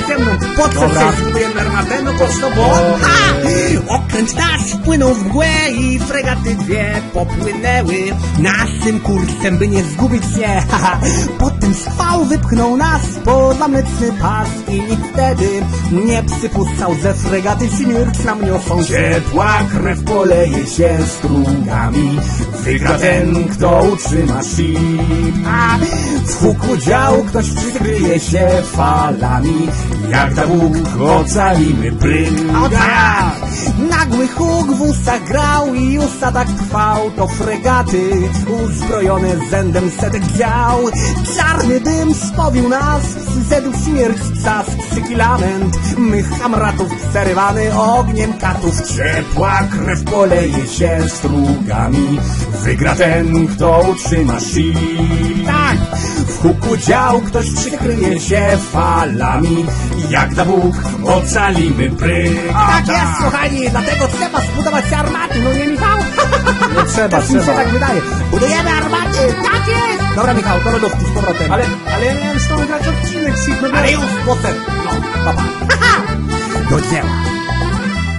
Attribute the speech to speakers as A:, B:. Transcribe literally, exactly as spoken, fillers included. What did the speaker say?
A: ze mną. Po co
B: Dobra.
A: się zbudujemy armatę? No po co, bo... Ha! Okręt nasz wpłynął w mgłę i fregaty dwie popłynęły naszym kursem, by nie zgubić się. Haha. Potem schwał wypchnął nas poza mleczny pas i nikt wtedy nie przypuszczał, że fregaty śmierć nam niosą. Ciepła krew poleje się strugami, wygra ten, kto utrzyma ship. A w huku dział ktoś przykryje się falami, jak da Bóg ocalimy prym. Nagły huk w ustach grał i już tak trwał, to fregaty uzbrojone zędem setek dział. Czarny dym spowił nas, przyszedł śmierć, czas, krzyki, lament mych kamratów przerywany ogniem katów. Ciepła krew poleje się strugami, wygra ten, kto utrzyma ship. Tak, w huku dział ktoś przykryje się falami, jak da Bóg ocalimy pryk. Tak jest, kochani, dlatego trzeba zbudować armaty, no nie, Michał?
B: No trzeba,
A: Tak mi się
B: trzeba.
A: tak wydaje. Budujemy armaty, tak jest! Dobra, Michał, do lodówki z powrotem.
B: Ale, ale ja miałem z tobą grać odcinek, Sig, no
A: Ale już potem, no, papa. Do dzieła.